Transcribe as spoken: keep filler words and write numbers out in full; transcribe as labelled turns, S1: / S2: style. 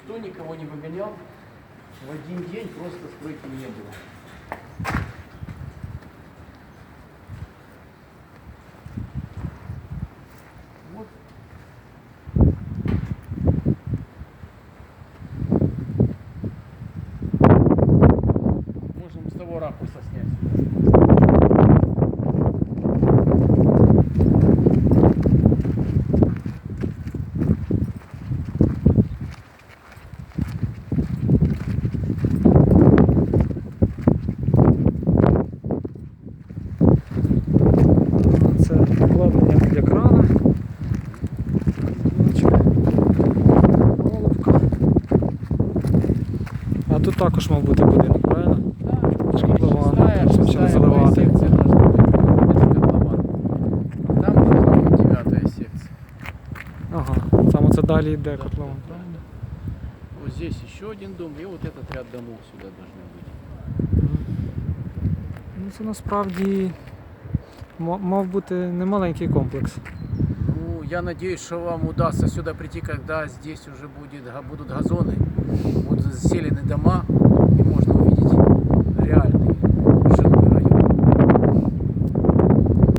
S1: никто никого не выгонял. В один день просто стройки не было. Вот. Можем с того ракурса снять.
S2: Це обладнання для крана. Головка. А тут також мав бути будинок, правильно?
S1: Да,
S2: Шкафован,
S1: шестая,
S2: щоб
S1: шестая
S2: заливати.
S1: секция должна быть. Это котлован. Там котлован, девятая секция.
S2: Ага, саме це далі йде
S1: Да,
S2: котлован.
S1: да, правильно. Вот здесь еще один дом, и вот этот ряд домов сюда должны быть.
S2: Ну, це насправді ма- мав бути немаленький комплекс.
S1: Ну, я надеюсь, что вам удастся сюда прийти, когда здесь уже будет, га- будут газоны, будут заселены дома,